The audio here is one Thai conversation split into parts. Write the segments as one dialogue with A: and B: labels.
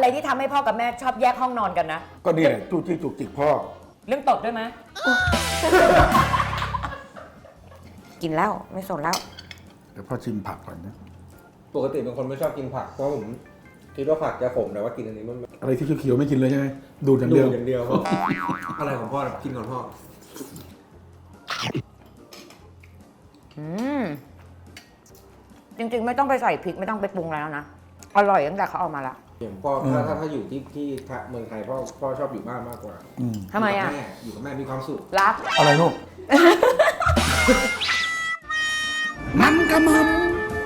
A: อะไรที่ทำให้พ่อกับแม่ชอบแยกห้องนอนกันนะ
B: ก็นี่แหละจู้จี้จุกจิกพ่อ
A: เรื่องตดด้วยไหมกินแล้วไม่สนแล้ว
B: เดี๋ยวพ่อชิมผักก่อนนะ
C: ปกติเป็นคนไม่ชอบกินผักเพราะผมคิดว่าผักจะขมแต่ว่ากินอันนี้มัน
B: อะไรที่เขียวๆไม่กินเลยใช่ไหมดูดอย่างเดียว
C: อย่างเดียวอะไรของพ่อกินก่อนพ่อ
A: จริงๆไม่ต้องไปใส่พริกไม่ต้องไปปรุงแล้วนะอร่อยตั้งแต่เขาเอามาละ
C: อย่างพ่อถ้าอยู่ที่เมืองไทยพ่อชอบอยู่บ้านมากกว่า
A: ทำไมอ่ะ
C: อยู่กับแม่มีความสุข
A: รัก
B: อะไรลูกมันกระมัง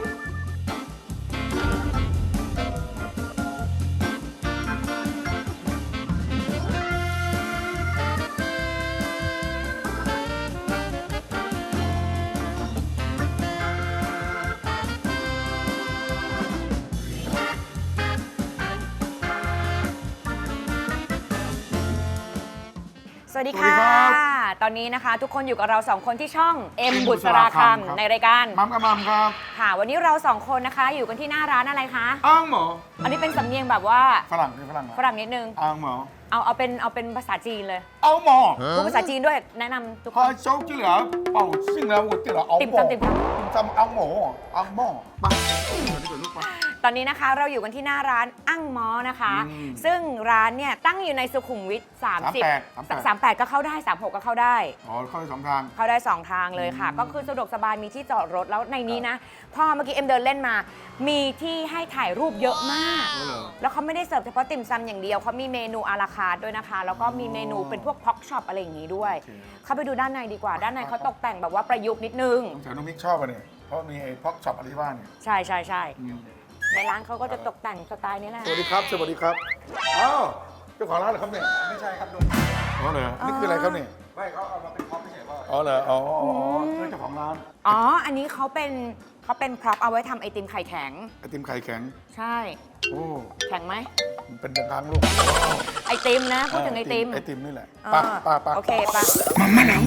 A: สวัสดีค่ะตอนนี้นะคะทุกคนอยู่กับเรา2คนที่ช่องเอ็มบุษราคำในรายการ
B: มัมกับมัมครับ
A: ค่ะวันนี้เรา2คนนะคะอยู่กันที่หน้าร้านอะไรคะ
B: อ้างหมอ
A: อันนี้เป็นสำเนียงแบบว่า
B: ฝรั่ง
A: นิดนึง
B: อ้างหมอ
A: เอาเป็นภาษาจีนเลย
B: เอาหมอ
A: พูดภาษาจีนด้วยแนะนำทุกคน
B: โจ๊กที่เหลือเป่าซิ่งแล้วหมดที่เหลือเอาหมอติ่มซำเอาหมอเอาหมอ
A: ตอนนี้นะคะเราอยู่กันที่หน้าร้านอั้งม้อนะคะซึ่งร้านเนี่ยตั้งอยู่ในสุขุมวิท38ก็เข้าได้36ก็เข้าได้
B: อ๋อเข้าได้2ทาง
A: เข้าได้2ทางเลยค่ะก็คือสะดวกสบายมีที่จอดรถแล้วในนี้นะพ่อเมื่อกี้เอ็มเดินเล่นมามีที่ให้ถ่ายรูปเยอะมากแล้วเขาไม่ได้เสิร์ฟเฉพาะติ่มซำอย่างเดียวเขามีเมนูอาราคาร์ทด้วยนะคะแล้วก็มีเมนูเป็นพวกพ็อกช็อปอะไรอย่างนี้ด้วยเข้าไปดูด้านในดีกว่าด้านในเขาตกแต่งแบบว่าประยุกต์นิดนึง
B: แต่น้องมิกชอบอ่ะเนี่ยเพราะมีไอ้พ็อกช็อปอะไรที่ว่าเนี่ย
A: ใช่ในร้านเขาก็จะตกแต่งสไตล์นี้แหละ
B: สวัสดีครับอ้าวเจ้าของร้านเหรอครับเนี่ย
C: ไม่ใช่ครับลุง
B: อ๋อเหรอนี่คืออะไรครับเนี่ย
C: ไม่เขาเอามาเป็นพ็อปไม่ใช่พ่อ
B: อ๋อเหรออ๋อเจ้าของร้าน
A: อันนี้เขาเป็นพร็อพเอาไว้ทำไอติมไข่แข็ง
B: ไอติมไข่แข็ง
A: ใช่
B: โอ้
A: แข็งไหม
B: เป็นทางลูก
A: ไอติมนะพูดถึงไอติม
B: นี่แหละป้า
A: โอเคป้า
B: มาหนัง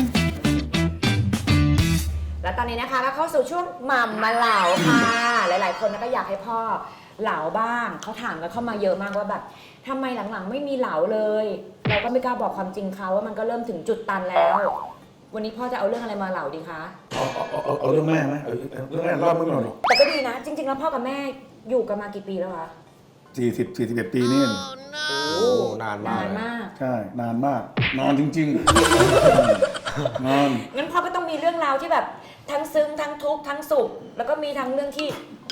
A: แล้วตอนนี้นะคะก็เข้าสู่ช่วงหม่ำมาเหลาค่ะหลายๆคนก็อยากให้พ่อเหลาบ้างเขาถามกันเข้ามาเยอะมากว่าแบบทำไมหลังๆไม่มีเหลาเลยเราก็ไม่กล้าบอกความจริงเขาว่ามันก็เริ่มถึงจุดตันแล้ววันนี้พ่อจะเอาเรื่องอะไรมาเหลาดีคะ
B: เอาเรื่องแม่ไหมเรื่องแม่รอบไม่หมดหรอก
A: แต่ก็ดีนะจริงๆแล้วพ่อกับแม่อยู่กันมากี่ปีแล้วคะ
B: 41 ปีนี่
C: โอ้นานมาก
B: ใช่นานมากนานจริงๆนาน
A: งั้นพ่อก็ต้องมีเรื่องราวที่แบบทั้งซึ้งทั้งทุกข์ทั้งสุขแล้วก็มีทั้งเรื่องที่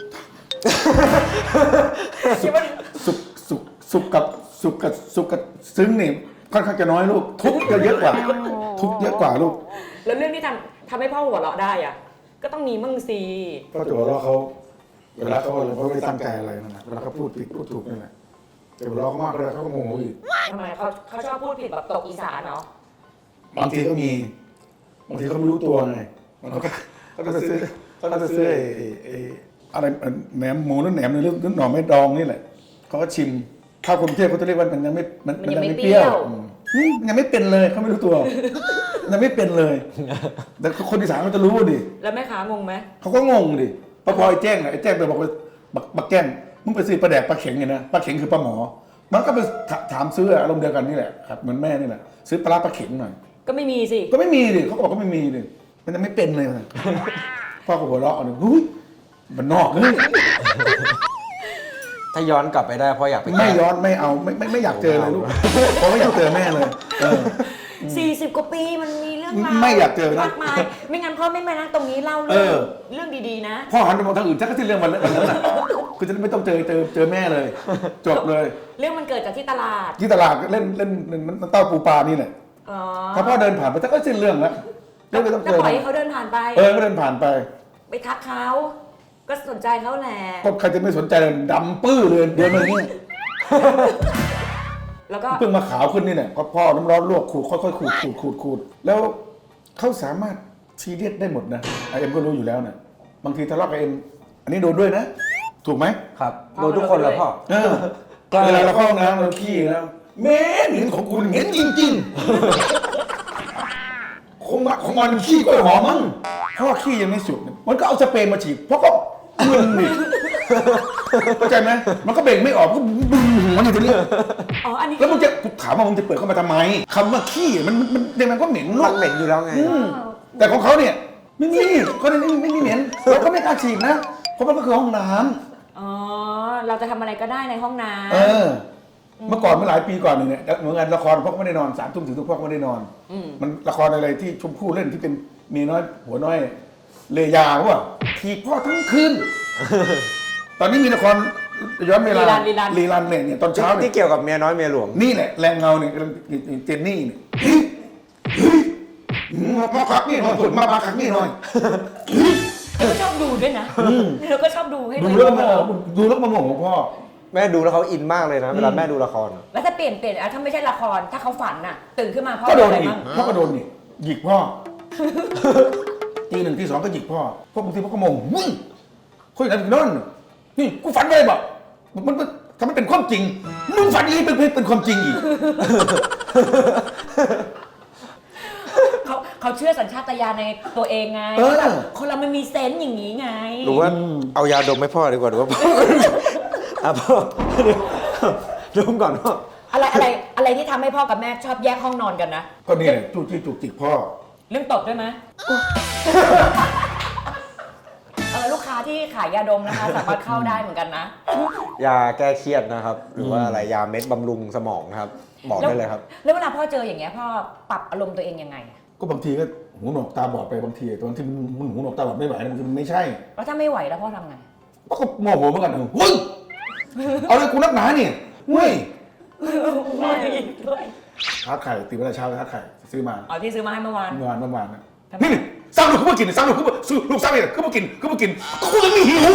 B: สุขกับซึ้งนี่ค่อนข้างจะน้อยลูกทุกข์เยอะกว่าลูก
A: แล้วเรื่องที่ทำให้พ่อหัวเราะได้อ่ะก็ต้องมีมั่งสิ
B: ก็จะหัวเราะเขาเวลาเขาไม่ตั้งใจอะไรนั่นแหละเวลาเขาพูดผิดพูดถูกนั่นแหละแต่หัวเราะมากเลยเขาก็โมโหอีก
A: ทำไมเขาชอบพูดผิดแบบตกอีสานเนาะ
B: บางทีก็มีบางทีเขาไม่รู้ตัวไงเขาจะซื้ออะไรแหนมหมูหรือแหนมหรือหน่อไม้ดองนี่แหละเขาก็ชิมข้าวกรุงเทพเขาจะเรียกว่ามันยังไม่เปรี้ยวยังไม่เป็นเลยเขาไม่รู้ตัวยังไม่เป็นเลยแต่คนอีสานเขาจะรู้ดิ
A: แล้วแม่ค้างงไหม
B: เขาก็งงดิพอไอ้แจ้งไปบอกว่าบักแก้งมึงไปซื้อปลาแดกปลาเข็งไงนะปลาเข็งคือปลาหมอมันก็ไปถามซื้ออารมณ์เดียวกันนี่แหละครับเหมือนแม่นี่แหละซื้อปลาเข็งหน่อย
A: ก็ไม่มีสิ
B: ก็ไม่มีดิเขาบอกก็ไม่มีดิมันยังไม่เป็นเลยพ่อก็หัวเราะอ่ะเฮ้ยมันนอกเลย
C: ถ้าย้อนกลับไปได้พ่ออยากไป
B: ไม่ย้อนไม่เอาไม่อยากเจอเลยลูกเพราะไม่อยากเจอแม่เลย
A: 40 กว่าปีมันมีเรื่องราว
B: ไม่อยากเจอ
A: มากมายไม่งั้นพ่อไม่มานั่งตรงนี้เล่าเรื่องดีๆนะ
B: พ่อหันไปมองทางอื่นชักก็ที่เรื่องวันนั้นแหละคือจะไม่ต้องเจอแม่เลยจบเลย
A: เรื่องมันเกิดจากที่ตลาด
B: เล่นมันเต้าปูปลานี่แหละถ้าพ่อเดินผ่านไปชักก็สิ้นเรื่องแล้ว
A: ไม่ต้องเจอปล่อยให้เขาเดินผ่านไป
B: ก็เดินผ่านไป
A: ทักเขาก็สนใจเขาแหละ
B: ก็ใครจะไม่สนใจดำปื้อเลยเดินมาเนี่ย
A: แล้วก็
B: เพิ่งมาขาวขึ้นนี่แหละก็พ่อน้ำร้อนลวกขูดค่อยๆขูดแล้วเขาสามารถซีเรียสได้หมดนะเอ็มก็รู้อยู่แล้วนะบางทีทะเลาะกับเอ็มอันนี้โดนด้วยนะถูกไหม
C: ครับโดนทุกคนแล้วพ่อ
B: เวลาเราเข้าห้องน้ำเราขี้แล้วเหม็นของคุณเหม็นจริงๆของมันขี้ก็หอมมั้งเพราะว่าขี้ยังไม่สุกมันก็เอาสเปรย์มาฉีดเพราะก็มึนดิเข้าใจไหมมันก็เบ่งไม่ออกก็บึ้งหัวอยู่ตรงนี้
A: อ๋ออันนี้
B: แล้วมึงจะกูถามว่ามึงจะเปิดเข้ามาทำไมคำว่าขี้มันก็เหม็นลู
C: มั
B: ก
C: นเหม็นอยู่แล้วไง
B: แต่ของเขาเนี่ยไม่มีเขาเนี่ยไม่มีเหม็นเราก็ไม่กล้าฉีดนะเพราะมันก็คือห้องน้ำ
A: อ๋อเราจะทำอะไรก็ได้ในห้องน้ำ
B: เมื่อก่อนเมื่อหลายปีก่อนเนี่ยเหมือนงานละครพ่อก็ไม่ได้นอน3 ทุ่มถึงทุกพ่อก็ไม่ได้นอน มันละครอะไรที่ชมพู่เล่นที่เป็นเมียน้อยหัวน้อยเลยาว่ะทีพ่อทั้งคืน ตอนนี้มีละครย้อนเวลารีรันเนี่ยตอนเช้าเนี่
C: ที่
B: ย
C: เกี่ยวกับเมียน้อยเมียหลวง
B: นี่แหละแรงเงาเนี่ยเจนนี่เนี่ยมาพักนี่หน่อยมาพักนี่หน่อย
A: เราก็ชอบดูด้วยนะเราก็ชอบดูให้
B: ดูแล้วมาดูแล้วมาโมโหพ่อ
C: แม่ดูแล้วเขาอินมากเลยนะ เวลาแม่ดูละคร
A: แล้วถ้าเปลี่ยนถ้าไม่ใช่ละครถ้าเขาฝันน่ะตื่นขึ้นมาพ่อ
B: ก็โดน
A: อะไร
B: อีก
A: บ้าง
B: พ่อก็โดนอีกหยิกพ่อ ตี 1 ตี 2ก็หยิกพ่อพวกบางทีพ่อก็โมโหมึงคุยกันนั่นนี่กูฝันไปบอกมันทำให้เป็นความจริงมึงฝันอีกเป็นความจริงอีก
A: เขาเชื่อสัญชาตญาณในตัวเองไงแบบคนเรามันมีเซนส์อย่างนี้ไง
C: หรือว่าเอายาดมให้พ่อดีกว่าหรือว่าพ่อ พ่อดมก่อนพ่อ
A: อะไรที่ทำให้พ่อกับแม่ชอบแยกห้องนอนกันนะ
B: ก็นี่แหละจู้จี้จุกจิกพ่อ
A: เรื่องตบด้วยไหม ลูกค้าที่ขายยาดมนะคะ สามารถเข้าได้เหมือนกันนะ
C: ยาแก้เครียดนะครับ หรือว่าอะไรยาเม็ดบำรุงสมองนะครับ บอกได้เลยครับ
A: แล้วเวลาพ่อเจออย่างเงี้ยพ่อปรับอารมณ์ตัวเองยังไง
B: ก็บางทีก็หูหนวกตาบอดไปบางทีตอนที่มันหูหนวกตาบอดไม่ไหวบางทีมันไม่ใช่
A: แล้วถ้าไม่ไหวแล้วพ่อทำไง
B: ก็โมโหเหมือนกันเฮ้ยเอาเลยกูนักหนาเนี่ยเฮ้ยทาร์ตไข่ตีเวลาเช้าทาร์ตไข่ซื้อมา
A: อ๋อที่ซื้อมาให้เมื่อวาน
B: เมื่อวานนะนี่สร้างลูกเขามากินสร้างลูกเขามาซื้อลูกสร้างเนี่ยเขามากินกูยังไม่หิว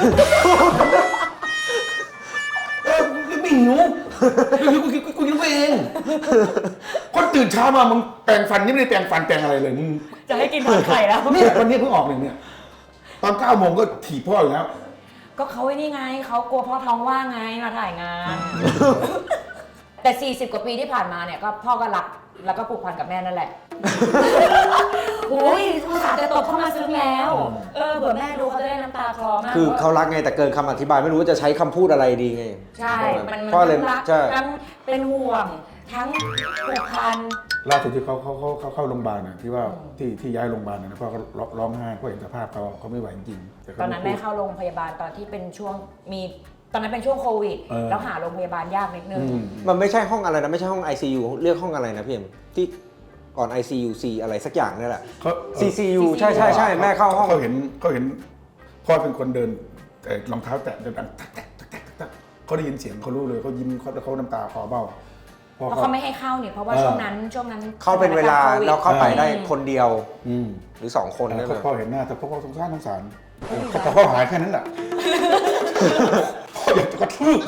B: ไม่หิวกูกินเองคนตื่นเช้ามามึงแปรงฟันนี่ไม่ได้แปรงฟันแปรงอะไรเลยมึง
A: จะให้กินทอดไข่แล้ว
B: เนี่ยวันนี้เพิ่งออกเนี่ยตอน9 โมงก็ถีบพ่ออยู่แล้ว
A: ก็เขาไอ้นี่ไงเขากลัวพ่อท้องว่างไงมาถ่ายงาน แต่ 40 กว่าปีที่ผ่านมาเนี่ยก็พ่อก็รักแล้วก็ผูกพันกับแม่นั่นแหละ โอ้ยอุตส่าห์จะตบเข้ามาซึ้งแล้วเผื่อแม่ดูเขาจะได้น้ำตาคลอมาก
C: คือเขารักไงแต่เกินคำอธิบายไม่รู้ว่าจะใช้คำพูดอะไรดีไง
A: ใช่ มัน
C: พ่อเลย
A: ทั้งรัก
C: ใช่
A: ทั้งเป็นห่วงทั้งผูกพัน
B: ล่าสุดที่เขาเข้าโรงพยาบาลนะที่ว่าที่ย้ายโรงพยาบาลนะพ่อก็ร้องไห้เพราะเห็นสภาพเขาไม่ไหวจริงๆ
A: ตอนนั้นแม่เข้าโรงพยาบาลตอนที่เป็นช่วงตอนนั้นเป็นช่วงโควิดแล้วหาโรงพยาบาลยากนิดนึง
C: มันไม่ใช่ห้องอะไรนะไม่ใช่ห้อง ICU เรียกห้องอะไรนะพี่เอ็มที่ก่อน ICU C อะไรสักอย่างนี่แหละ CCU ใช่แม่เข้าห้อง
B: เขาเห็นพ่อเป็นคนเดินแต่รองเท้าแตะเดินดังตักเขาได้ยินเสียงเขารู้เลยเขายิ้มเขาน้ำตาคลอเบ้า
A: เพราะเขาไม่ให้เข้าเนี่ยเพราะว่าช่วงนั้น
C: เข้าเป็นเวลา
A: โควิด
C: เราเข้าไปได้คนเดียวหรือ2 คนนั่นแหละ
B: พ่อเห็นหน้าแต่พ่อสงสารแต่พ่อหายแค่นั้นแหละพ่ออยากจะกระทืบ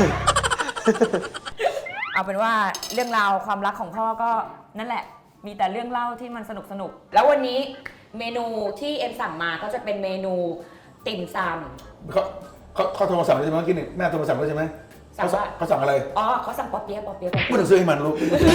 A: เอาเป็นว่าเรื่องราวความรักของพ่อก็นั่นแหละ มีแต่เรื่องเล่าที่มันสนุกแล้ววันนี้เมนูที่เอ็มสั่งมาก็จะเป็นเมนูติ่มซำ
B: เขาโทรมาสั่งแล้วใช่ไหมเมื่อกี้นี่แม่โทรมาสั่งแล้วใช่ไหม
A: สั่งว่า
B: เขาสั่งอะไร
A: อ๋อเขาสั่งป๊อปเปี๊ยะ
B: ไม่ต้องซื้อให้มันลูก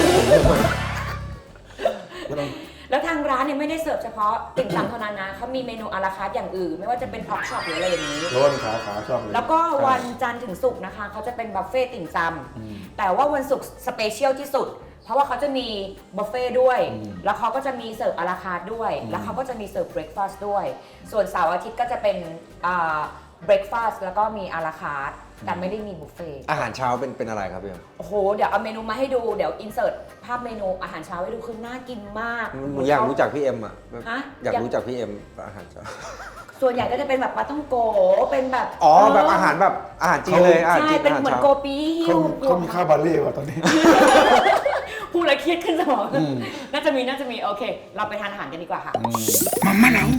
A: แล้วทางร้านเนี่ยไม่ได้เสิร์ฟเฉพาะติ่มซำเท่านั้นนะเขามีเมนูอาราคาร์ทอย่างอื่นไม่ว่าจะเป็นพ็อกช็อปหรืออะไรอย่างนี้
B: ร้อนขาชอบเลย
A: แล้วก็วันจันทร์ถึงศุกร์นะคะเขาจะเป็นบุฟเฟ่ต์ติ่มซำแต่ว่าวันศุกร์สเปเชียลที่สุด เพราะว่าเขาจะมีบุฟเฟ่ต์ด้วย แล้วเขาก็จะมีเสิร์ฟอาราคาร์ทด้วย แล้วเขาก็จะมีเสิร์ฟเบรคฟาสต์ด้วย ส่วนเสาร์อาทิตย์ก็จะเป็นเบรคฟาสต์แล้วก็มีอาราคาร์ทแต่ไม่ได้มีบุฟเฟ่ต์
C: อาหารเช้าเป็นอะไรครับพี่เอ็ม
A: โอ้โหเดี๋ยวเอาเมนูมาให้ดูเดี๋ยวอินเสิร์ตภาพเมนูอาหารเช้าให้ดูคือน่ากินมาก
C: อยากรู้จักพี่เอ็มอ่ะ
A: ฮะ
C: อยากรู้จักพี่เอ็มอาหารเช้า
A: ส่วนใหญ่ก็จะเป็นแบบปลาท่องโกเป็นแบบ
C: อ๋อแบบอาหารจีนเลยอาหาร
A: ใช่
C: จีน
A: เป็น
C: อาหาร
A: เหมือน
C: เช้า
A: โกปีฮิ้ว
B: เขามีค่าบาเล่ว่ะตอนนี้
A: พูดแล้วเครียดขึ้นสมองน่าจะมีโอเค เราไปทานอาหารกันดีกว่าค่ะ
B: มาม่าหนาว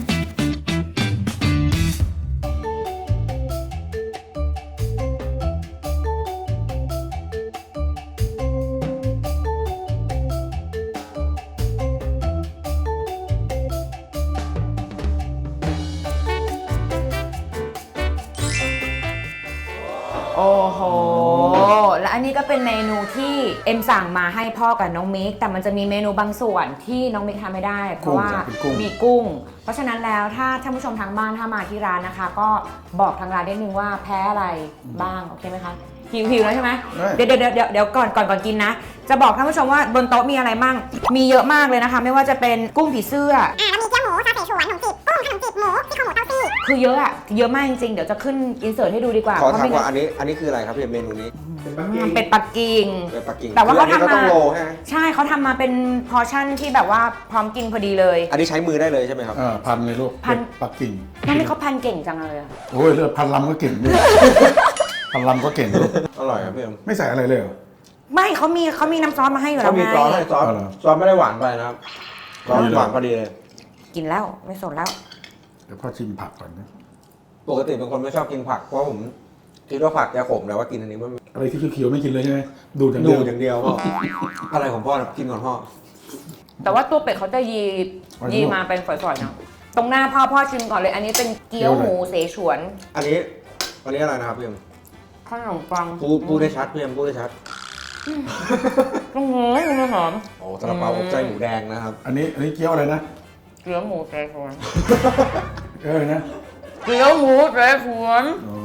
A: โอ้โห แล้วอันนี้ก็เป็นเมนูที่เอ็มสั่งมาให้พ่อกับน้องมิกแต่มันจะมีเมนูบางส่วนที่น้องมิกทำไม่ได้ เพราะว่ามีกุ้ง เพราะฉะนั้นแล้วถ้าท่านผู้ชมทางบ้านถ้ามาที่ร้านนะคะ ก็บอกทางร้านได้นึงว่าแพ้อะไรบ้างโอเคไหมคะหิวแล้วใช่ไหมเดี๋ยวก่อนกินนะ จะบอกท่านผู้ชมว่าบนโต๊ะมีอะไรบ้างมีเยอะมากเลยนะคะ ไม่ว่าจะเป็นกุ้งผีเสื้อ
D: แล้วมีเกี๊ยวหมูซาเสฉวนขนมจีบกุ้งขนมจีบหมูที่ข้าวหมูเต้าซี่
A: คือเยอะอะเยอะมากจริงๆเดี๋ยวจะขึ้นอินเสิร์ตให้ดูดีกว่า
C: ขอ
A: เพราะ
C: ถาม
A: ไม่งั้
C: ว่าน อันนี้คืออะไรครับพี่เมนูนี้
A: เป็ดปักกิ่ง
C: เป็นปักกิ่ง
A: แต่ว่าเขาทำมา
C: ต้องโลใช่ไหม
A: ใช่เขาทำมาเป็นพอร์ชั่นที่แบบว่าพร้อมกินพอดีเลย
C: อันนี้ใช้มือได้เลยใช่ไหมครับ
B: พันเลยลูก
A: พัน
B: เป็ดปักกิ่ง
A: น้องนี่เขาพันเก่งจังเลยอะ
B: โอ้ยเลือดพันลำก็เก่งด้วย พันลำก็เก่งลูก
C: อร่อยครับพี่เอ็ม
B: ไม่ใส่อะไรเลยเหรอ
A: ไม่เขามีน้ำซอสมาให้อยู่แล้
C: เขา
A: ว
C: มี
A: ไง
C: ซอสให้ซอส
B: อ๋อเหรอ
C: ซอสไม่ได้หวานไปนะครับซอสหวานพอดีเลย
A: กินแล้วไม่สนแล้ว
B: เดี๋ยวพ่อชิมผักก่อนนะ
C: ปกติเป็นคนไม่ชอบกินผักเพราะผมคิดว่าผักจะขมแต่ว่ากินอันนี้มัน
B: อะไรที่เขียวๆไม่กินเลยใช่ไหมดูอย่าง
C: ดู
B: เดียว
C: อย่างเดียวพ่ออะไรของพ่อนะกินก่อนพ่อ
A: แต่ว่าตัวเป็ดเขาจะยีมาเป็นฝอยๆเนาะตรงหน้าพ่อชิมก่อนเลย อันนี้เป็นเกี๊ยวหมูเสฉวน
C: อันนี้อะไรนะครับพี่เอ็ม
A: ขนมปัง
C: พูดได้ชัดพี่เอ็มพูดได้ชัด
A: ตรงนี้มันหอม
C: โอ้ซาลาเปาอบไส้หมูแดงนะครับ
B: อันนี้เกี๊ยวอะไรนะ
A: เกี๊ยวหมูเสฉวน
B: นะ
A: เกี๊ยวหมูเสฉวน
B: อ๋อ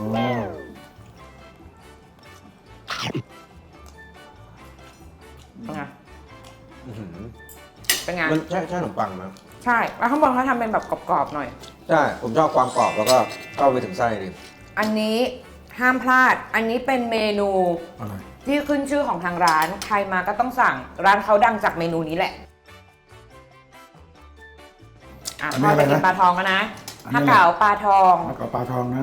A: เป็นไง
C: อื้อหือ
A: เป็นไง
C: มันใช่ขนมปังไหม
A: ใช่แล้วข้างบนเขาทำเป็นแบบกรอบๆหน่อย
C: ใช่ผมชอบความกรอบแล้วก็เข้าไปถึงไส้ดิ
A: อันนี้ห้ามพลาด อันนี้เป็นเมนู
B: อะไร
A: ที่ขึ้นชื่อของทางร้าน ใครมาก็ต้องสั่ง ร้านเขาดังจากเมนูนี้แหละ พ่อจะกินปลาทองแล้วนะฮักเก๋าปลาทอง
B: แล้วก็ปลาทองนะ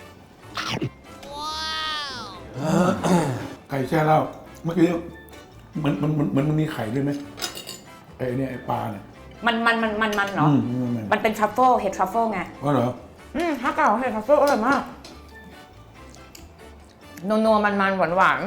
B: ไก่แช่เหล้าเมื่อกี้มันมีไข่ด้วยไหมไอ้เนี่ยไอ้ปลาเนี่ย
A: มันเนาะ มันเป็นทรัฟเฟิลเห็ดทรัฟเฟิลไง
B: อ๋อเหรอ
A: ฮักเก๋าเห็ดทรัฟเฟิลอร่อยมากนัวๆมันหวาน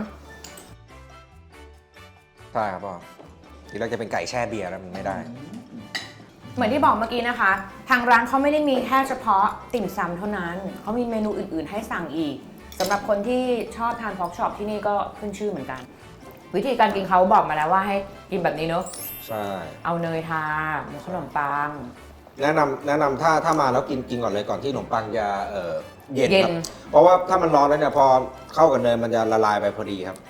C: ใช่ครับพ่อทีแรกจะเป็นไก่แช่เบียร์แล้วมันไม่ได้
A: ๆเหมือนที่บอกเมื่อกี้นะคะ ทางร้านเขาไม่ได้มีแค่เฉพาะติ่มซำเท่านั้น เขามีเมนูอื่นๆให้สั่งอีกสำหรับคนที่ชอบทานพอกช็อปที่นี่ก็ขึ้นชื่อเหมือนกัน วิธีการกินเขาบอกมาแล้วว่าให้กินแบบนี้เนอะ
C: ใช่
A: เอาเนยทาหมูขนมปัง
C: แนะนำถ้ามาแล้วกินก่อนเลยก่อนที่ขนมปังจะเย็น
A: เย็
C: คน รับเพราะว่าถ้ามันร้อนแล้วเนี่ยพอเข้ากับเนยมันจะละลายไปพอดีครับ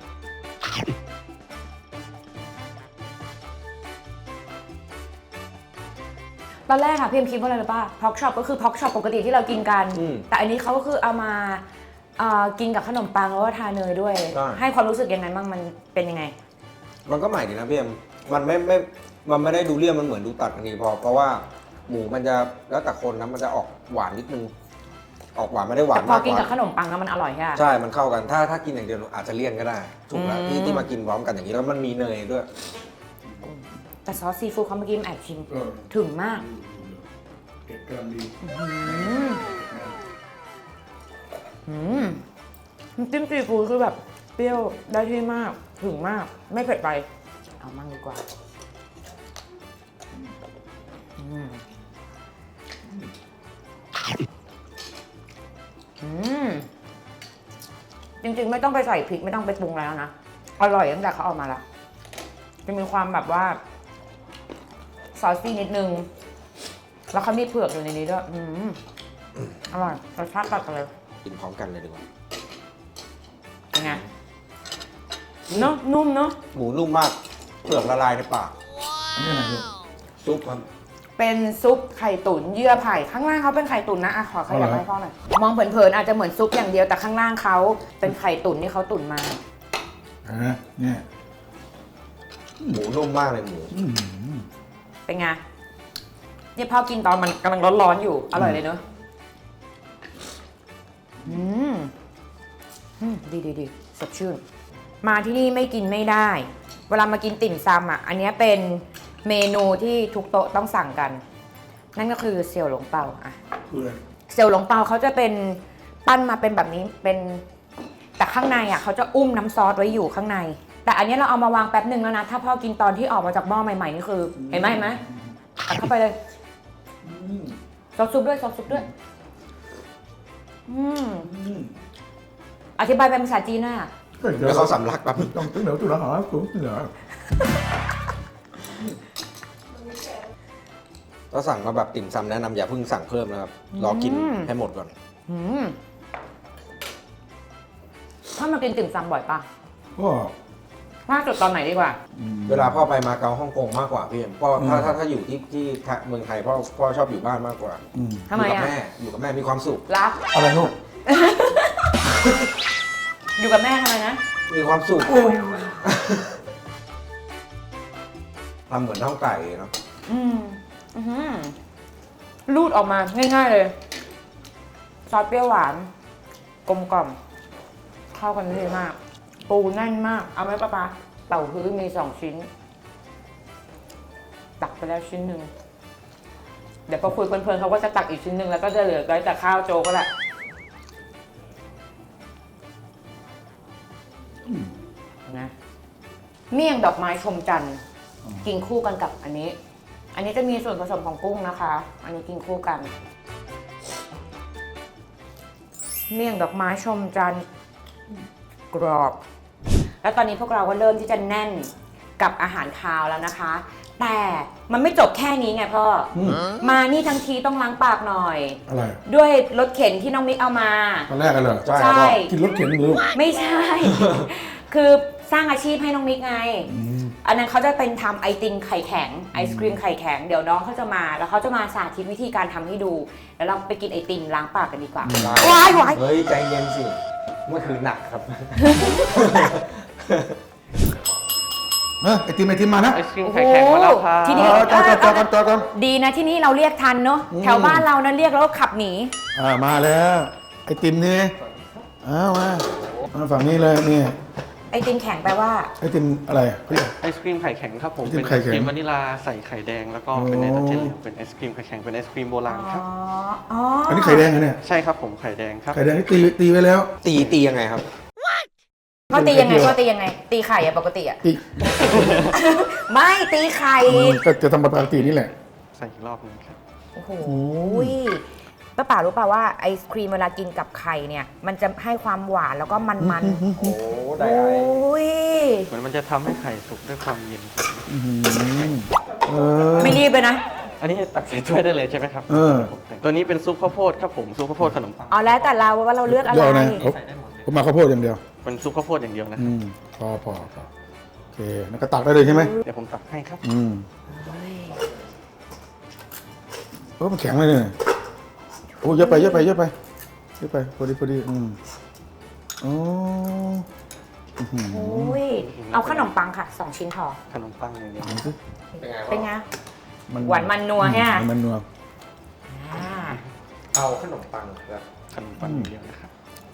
A: ตอนแรกค่ะพี่เอ็มคิดว่าอะไรหรือป่ะพอกช็อปก็คือพอกช็อปปกติที่เรากินกัน แต่อันนี้เขาก็คือเอามากินกับขนมปังแล้วก็ทาเนยด้วย ให้ความรู้สึกยังไงบ้างมันเป็นยังไง
C: มันก็ใหม่ดีนะพี่เอ็มมันไม่ได้ดูเลี่ยนมันเหมือนดูตัดกันทีเพราะว่าหมูมันจะแล้วแต่คนนะมันจะออกหวานนิดนึงออกหวานไม่ได้หวาน
A: แต่พอ
C: มาก
A: กิน
C: ก
A: กับ
C: ว่า
A: ขนมปังแล้วมันอร่อยใช่ไหม
C: ใช่มันเข้ากันถ้ากินอย่างเดียวอาจจะเลี่ยนก็ได้ถูกแล้วที่มากินพร้อมกันอย่างนี้แล้วมันมีเนยด้วย
A: แต่ซอสซีฟู้ดเขาเมื่อกี้แอบชิม
B: เออ
A: ถึงมาก
B: เก็บกำลังดี
A: น้ำจิ้มซีฟู้ดคือแบบเปรี้ยวได้ที่มากถึงมาก ไม่เผ็ดไป เอามั่งดีกว่าจริงๆไม่ต้องไปใส่พริกไม่ต้องไปปรุงแล้วนะ อร่อยตั้งแต่เขาเออกมาแล้วจะมีความแบบว่าซอสซี่นิดนึง แล้วเขามีเผือกอยู่ในนี้ด้วยอร่อยรสชาติตัดกันเลย
C: กินพร้อมกันเลยดีกว่า
A: เป็นไงเนาะนุ่มเนาะ
C: หมูนุ่มมากเปลือกละลายในปาก
B: อันนี้อะไรลูก
C: ซุปครับ
A: เป็นซุปไข่ตุ๋นเยื่อไผ่ข้างล่างเขาเป็นไข่ตุ๋นนะขอขยับให้พ่อหน่อยมองเผินๆอาจจะเหมือนซุปอย่างเดียวแต่ข้างล่างเขาเป็นไข่ตุ๋นที่เขาตุ๋นมา
B: เนี่ย
C: หมูนุ่มมากเลยหมู
A: เป็นไงเนี่ยพ่อกินตอนมันกำลังร้อนๆอยู่อร่อยเลยเนอะดีสดชื่นมาที่นี่ไม่กินไม่ได้ เวลามากินติ่มซำอ่ะอันนี้เป็นเมนูที่ทุกโต๊ะต้องสั่งกัน นั่นก็คือเสี่ยวหลงเปาอ่ะ
B: คืออะไร
A: เสี่ยวหลงเปาเขาจะเป็นปั้นมาเป็นแบบนี้เป็นแต่ข้างในอ่ะเขาจะอุ้มน้ำซอสไว้อยู่ข้างใน แต่อันนี้เราเอามาวางแป๊บหนึ่งแล้วนะถ้าพ่อกินตอนที่ออกมาจากหม้อใหม่ๆนี่คือเห็นไหมตัดเข้าไปเลยซอสซุปด้วยอธิบายเป็นภาษาจีนหน่อยอ่ะ
C: แล้วเขาสำลักแบบ
B: ต้องตึ้งเหนียวตุลาหากูตึ้งเหนียว
C: ก็สั่งมาแบบติ่มซำแนะนำอย่าเพิ่งสั่งเพิ่มนะครับรอกินให้หมดก่อน
A: อืมพ่อมากินติ่มซำบ่อยปะ
B: ก็
A: ล่าสุดตอนไหนดีกว่า
C: เวลาพ่อไปมาเก๊าฮ่องกงมากกว่าพี่เอ็มพ่อถ้าอยู่ที่เมืองไทยพ่อชอบอยู่บ้านมากกว่า
A: ทำไม
C: อยู่กับ
A: อะ
C: แม่อยู่กับแม่มีความสุข
A: รัก
B: อะไรลูก
A: อยู่กับแม่ทำไมนะ
C: มีความสุขทำเหมือนน่องไก่เนาะ
A: อืมอื้อหือรูดออกมาง่ายๆเลย ซอสเปรี้ยวหวาน กลมกล่อม เข้ากันดีมาก ปูแน่นมาก เอาไหมป้าเต่าฮื้อมี2 ชิ้น ตักไปแล้วชิ้นหนึ่ง เดี๋ยวพอคุยเพลินๆเขาก็จะตักอีกชิ้นหนึ่งแล้วก็จะเหลือไว้แต่ข้าวโจ๊กก็แหละนะเมี่ยงดอกไม้ชมจันทร์กินคู่กันกับอันนี้ อันนี้จะมีส่วนผสมของกุ้งนะคะ อันนี้กินคู่กัน เมี่ยงดอกไม้ชมจันทร์กรอบ แล้วตอนนี้พวกเราก็เริ่มที่จะแน่นกับอาหารคาวแล้วนะคะ แต่มันไม่จบแค่นี้ไงพ่ออมานี่ทั้งทีต้องล้างปากหน่อย
B: อะไร
A: ด้วยรถเข็นที่น้องมิกเอามา
B: ตอนแรกกันเหรอ
A: ใช่
B: กินรถเข็นหรือลูก
A: ไม่ใช่ คือสร้างอาชีพให้น้องมิกไง อันนั้นเขาจะเป็นทำไอติมไข่แข็งไอศครีมไข่แข็งเดี๋ยวน้องเขาจะมาแล้วเขาจะมาสาธิตวิธีการทำให้ดู แล้วเราไปกินไอติมล้างปากกันดีกว่า ว้ายว้าย
C: เฮ้ยใจเย็นสิเมื่อคืนหนักครับ
B: ไอติมมานะ
E: ไอศครีมไข่แข็งมาแล้วครับ
A: ที่นี่
B: จอกัน
A: ดีนะที่นี่เราเรียกทันเนาะแถวบ้านเรานะเรียกแล้วก็ขับหนี
B: มาแล้วไอติมนี่มาฝั่งนี้เลยนี่
A: ไอติมแข็งแปลว่า
B: ไอติมอะไรเขาเรียก
E: ไอศครีมไข่แข็งครับผม
B: ไอติม
E: เป็น
B: ไข่
E: ไอศ
B: แข็ง
E: ครีมวานิลาใส่ไข่แดงแล้วก็เป็น
B: โอ้
E: เนยตาเจนเหลวเป็นไอศครีมไข่แข็งเป็นไอศครีมโบราณครับ
A: อ๋อ
B: อันนี้ไข่แดงเหรอเนี่ย
E: ใช่ครับผมไข่แดงครับ
B: ไข่แดงที่ตีไว้แล้ว
C: ตียังไงครับ
A: เขาตียังไงเขาตียังไง ตีไข่อะปกติอะ
B: ตี
A: ไม่ตีไข่
B: ก็จะทำปกตินี่แหละ
E: ใส่อีกรอบหนึงครับ
A: โอ้โหป้าป๋ารู้ป่าวว่าไอศครีมเวลากินกับไข่เนี่ย มันจะให้ความหวานแล้วก็มันๆ
C: โอ้
A: โอ้ย
E: เหมือนมันจะทำให้ไข่สุกด้วยความเย็นครับ
A: ไม่รีบเลยนะ
E: อันนี้ตักใส่ถ้วยได้เลยใช่ไหมครับ ตัวนี้เป็นซุปข้าวโพดครับผมซุปข้าวโพดขนมปัง
A: เอาแล้วแต่เราว่าเราเลือกอะไร
B: เดี๋ยวนะผมมาข้าวโพดอย่างเดียว
E: เป็นซุปข้าวโพดอย่างเดียวนะครับ
B: พอโอเคแล้วก็ตักได้เลยใช่ไหม
E: เดี๋ยวผมตักให้ครับ
B: มันแข็งเลยเนี่ยโอ้เยอะไปพอดีอ๋อ
A: โอ้ยเอาขนมปังค่ะ2 ชิ้นพอ
E: ขนมปังอย่างเดียว
A: เป็นไงหวานมันนัวแฮะ
B: มันนัว
C: เอาขนมปังครับ
E: ขนมปังอย่างเดียวนะครับ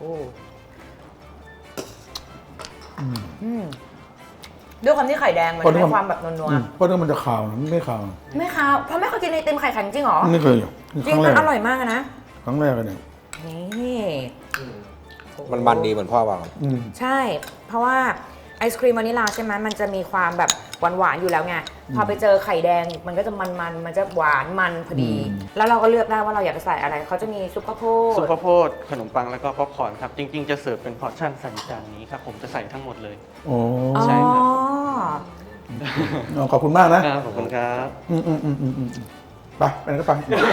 A: ด้วยความที่ไข่แดงมันให้ความแบบนัว
B: เพราะว่ามันจะขาวไม่ขาว
A: ๆไม่ค่ะเพราะไม่เคยกินไอติมไข่แข็งจริงเหรอ
B: ไม่เคยอยู่
A: จริงมันอร่อยมากนะ
B: ครั้งแรกเลยเนี่ย
A: นี่
C: มันบันดีเหมือนพ่อบอก
A: ใช่ เพราะว่าไอศครีมวานิลาใช่ไหมมันจะมีความแบบหวานๆอยู่แล้วไง พอไปเจอไข่แดงมันก็จะมันจะหวานมันพอดี แล้วเราก็เลือกได้ว่าเราอยากจะใส่อะไร เขาจะมีซุปข้าวโพด
E: ซุปข้าวโพดขนมปังแล้วก็ป๊อปคอร์นครับ จริงๆจะเสิร์ฟเป็นพอร์ชั่นใส่จานนี้ครับผมจะใส่ทั้งหมดเลย
B: โอ้
E: ใช่ครับ
B: ขอบคุณมากนะ
E: ขอบคุณครับ
B: ไปก็ไป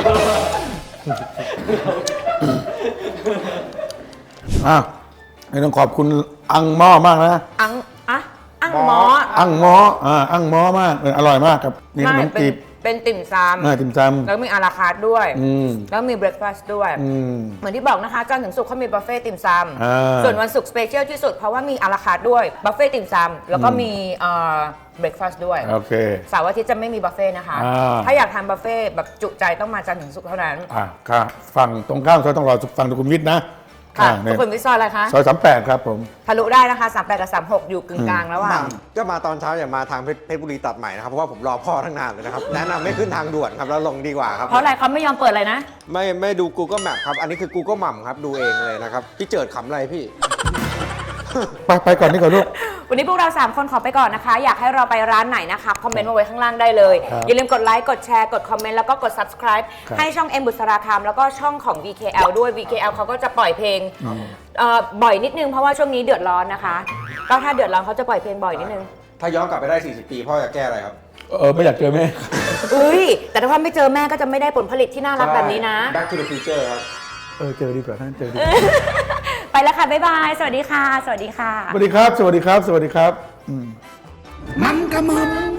B: ต้องขอบคุณอังหม้อมากนะ
A: อังหมอ
B: อังหม้ออังหม้อมากอร่อยมากครับนี่ขนมจีบ
A: เป็นติ่มซ
B: ติ่มซ
A: ำแล้วมีอาราคาร์ทด้วย
B: ำ
A: แล้วมีเบรคฟาสต์ด้วย เหมือนที่บอกนะคะจันทร์ถึงศุกร์เขามีบุฟเฟ่ต์ติ่มซำส่วนวันศุกร์สเปเชียลที่สุดเพราะว่ามีอาราคาร์ทด้วยบุฟเฟ่ต์ติ่มซำแล้วก็มีเบรคฟาสต์ด้วย
B: โอเค
A: เสาร์อาทิตย์จะไม่มีบุฟเฟ่ต์นะคะ ถ้าอยากทานบุฟเฟ่ต์แบบจุใจต้องมาจันทร์ถึงศุกร์เท่านั้น
B: ค่ะฝั่งตรงข้ามซอยต้องรอฝั่งสุขุมวิทนะ
A: ค่ะทุกคนวิซอยอะไรคะ
B: ซอย38ครับผม
A: ทะลุได้นะคะ38กับ36อยู่กึ่งกลางแล้วอ่ะ
C: ก็มาตอนเช้าอย่ามาทางเพชรบุรีตัดใหม่นะครับเพราะว่าผมรอพ่อทั้งนานเลยนะครับ แนะนำไม่ขึ้นทางด่วนครับแล้วลงดีกว่าครับ
A: เพราะอะไรเขาไม่ยอมเปิดเลยนะ
C: ไม่ดู Google Map ครับ อันนี้คือ Google หม่ำครับ ดูเองเลยนะครับ พี่เจิดขำอะไรพี่
B: ไปก่อนนี่ก่อนลูก
A: วันนี้พวกเรา 3 คนขอไปก่อนนะคะ อยากให้เราไปร้านไหนนะคะ คอมเมนต์มาไว้ข้างล่างได้เลย
B: ครับ
A: อย่าลืมกดไลค์ กดแชร์ กดคอมเมนต์ แล้วก็กด subscribe
B: ครับ
A: ให้ช่องเอ็มบุษราคำแล้วก็ช่องของ VKL ด้วย VKL เขาก็จะปล่อยเพลงบ่อยนิดนึง เพราะว่าช่วงนี้เดือดร้อนนะคะ ก็ถ้าเดือดร้อนเขาจะปล่อยเพลงบ่อยนิดนึง
C: ถ้าย้อนกลับไปได้ 40 ปีพ่อจะแก้อะไรครับ
B: ไม่อยากเจอแม่
A: อุ้ยแต่ถ้าไม่เจอแม่ก็จะไม่ได้ผลผลิตที่น่ารักแบบนี้นะ
C: Back to the Future ครับ
B: เจอดีกว่าท่านเจอดีกว่า
A: ไปแล้วค่ะ บ๊ายบาย สวัสดีค่ะ สวัสดีค่ะ
B: สวัสดีครับ สวัสดีครับ สวัสดีครับมันกระมัง